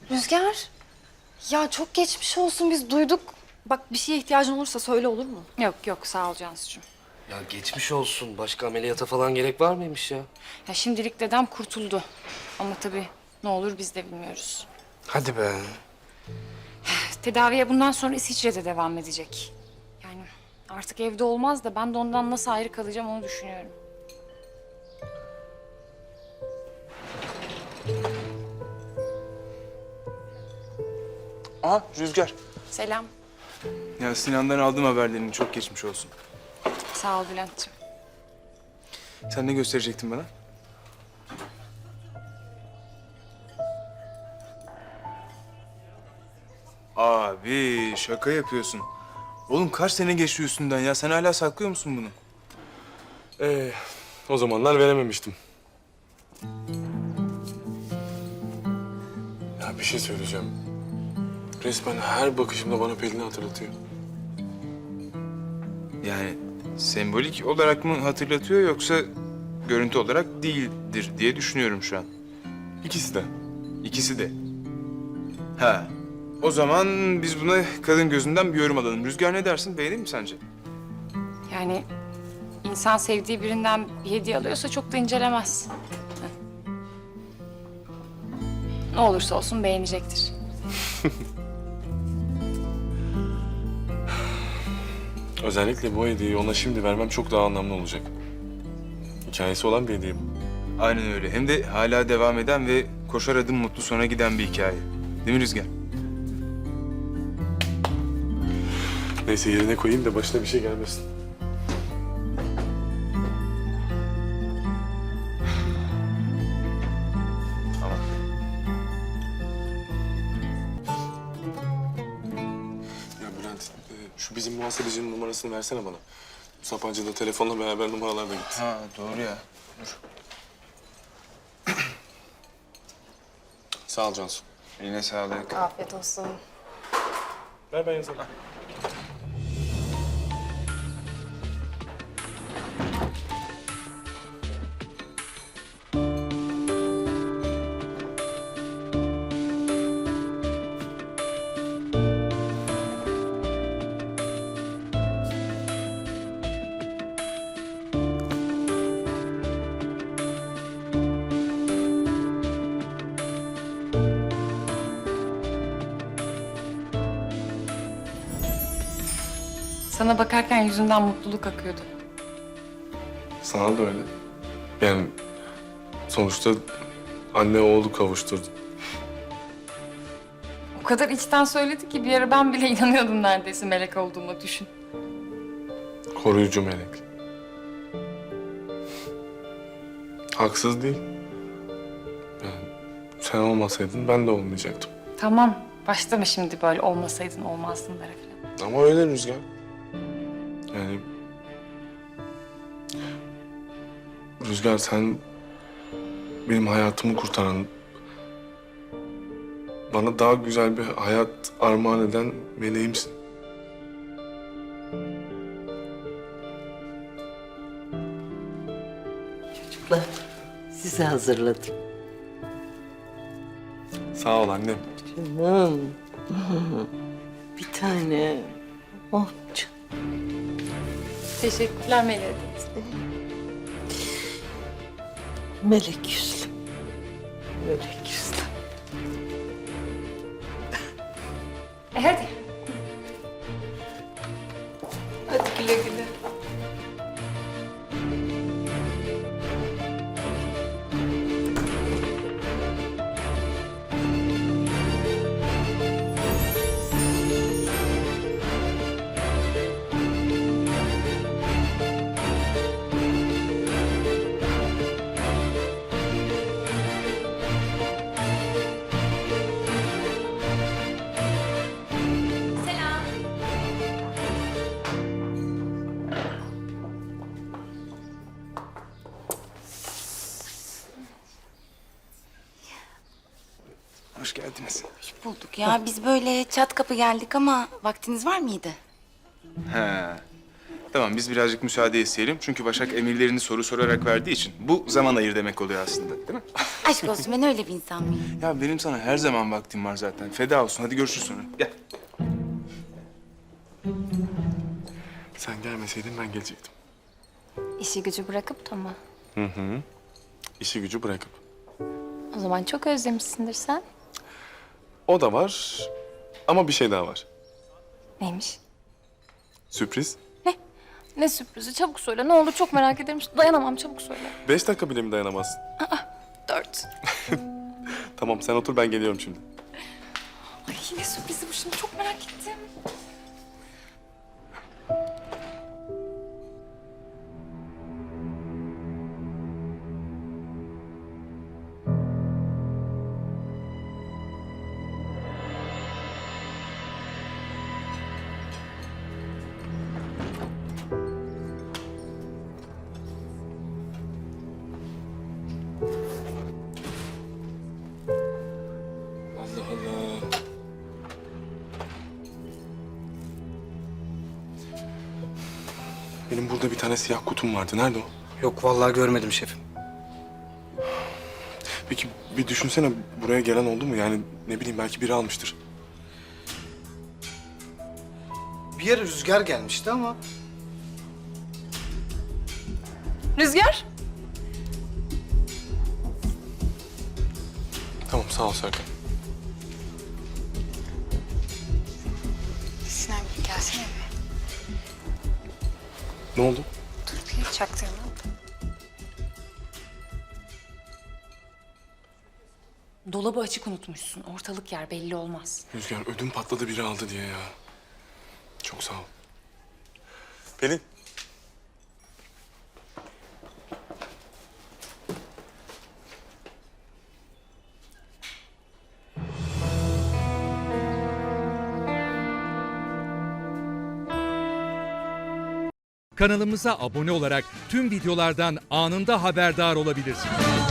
Rüzgar. Ya çok geçmiş olsun, biz duyduk. Bak bir şeye ihtiyacın olursa söyle, olur mu? Yok yok sağ ol Cansucuğum. Ya geçmiş olsun. Başka ameliyata falan gerek var mıymış ya? Ya şimdilik dedem kurtuldu. Ama tabii ne olur biz de bilmiyoruz. Hadi be. Tedaviye bundan sonra İsviçre'de devam edecek. Yani artık evde olmaz da ben de ondan nasıl ayrı kalacağım onu düşünüyorum. Aha Rüzgar. Selam. Ya Sinan'dan aldım haberlerini. Çok geçmiş olsun. Sağ ol Bülent'ciğim. Sen ne gösterecektin bana? Abi şaka yapıyorsun. Oğlum kaç sene geçti üstünden ya? Sen hala saklıyor musun bunu? O zamanlar verememiştim. Ya bir şey söyleyeceğim. Resmen her bakışımda bana Pelin'i hatırlatıyor. Yani sembolik olarak mı hatırlatıyor yoksa görüntü olarak değildir diye düşünüyorum şu an. İkisi de. İkisi de. Ha. O zaman biz buna kadın gözünden bir yorum alalım. Rüzgar ne dersin? Beğenir mi sence? Yani insan sevdiği birinden bir hediye alıyorsa çok da incelemez. Heh. Ne olursa olsun beğenecektir. Özellikle bu hediyeyi ona şimdi vermem çok daha anlamlı olacak. Hikayesi olan bir hediye bu. Aynen öyle. Hem de hala devam eden ve koşar adım mutlu sona giden bir hikaye. Değil mi Rüzgar? Neyse yerine koyayım da başına bir şey gelmesin. Tamam. Ya Bülent, şu bizim muhasebecinin numarasını versene bana. Sapancı'da telefonla beraber numaralar da gitti. Ha doğru ya. Dur. Sağ ol Cansu. Eline sağlık. Afiyet olsun. Ver ben yazarım. Sana bakarken yüzünden mutluluk akıyordu. Sana da öyle. Yani sonuçta anne oğlu kavuşturdu. O kadar içten söyledi ki bir ara ben bile inanıyordum neredeyse melek olduğuma düşün. Koruyucu melek. Haksız değil. Yani sen olmasaydın ben de olmayacaktım. Tamam başlama şimdi böyle olmasaydın olmazdınlara falan. Ama öyle Rüzgar. Yani... Rüzgar sen benim hayatımı kurtaran, bana daha güzel bir hayat armağan eden meleğimsin. Çocuklar, size hazırladım. Sağ ol annem. Canım. Bir tane. Oh canım. Teşekkürler Melek. Melek yüzlüm. Melek yüzlüm. Hadi. Hadi güle güle. Hoş geldiniz. Bulduk ya. Biz böyle çat kapı geldik ama vaktiniz var mıydı? Ha. Tamam, biz birazcık müsaade isteyelim. Çünkü Başak emirlerini soru sorarak verdiği için bu zaman ayır demek oluyor aslında, değil mi? Aşk olsun, ben öyle bir insan mıyım? Ya benim sana her zaman vaktim var zaten. Feda olsun. Hadi görüşürüz sonra. Gel. Sen gelmeseydin ben gelecektim. İşi gücü bırakıp da mı? İşi gücü bırakıp. O zaman çok özlemişsindir sen. O da var ama bir şey daha var. Neymiş? Sürpriz. Ne sürprizi? Çabuk söyle. Ne olur çok merak ederim. Dayanamam, çabuk söyle. 5 dakika bile mi dayanamazsın? 4. Tamam sen otur ben geliyorum şimdi. Ay ne sürprizi bu şimdi? Çok merak ettim. Allah Allah. Benim burada bir tane siyah kutum vardı. Nerede o? Yok vallahi görmedim şefim. Peki bir düşünsene buraya gelen oldu mu? Yani ne bileyim belki biri almıştır. Bir yere rüzgar gelmişti ama Rüzgar? Tamam sağ ol Serkan. Sinan gelsene be. Ne oldu? Dur bir çaktırma. Dolabı açık unutmuşsun. Ortalık yer belli olmaz. Rüzgar ödüm patladı biri aldı diye ya. Çok sağ ol. Pelin. Kanalımıza abone olarak tüm videolardan anında haberdar olabilirsiniz.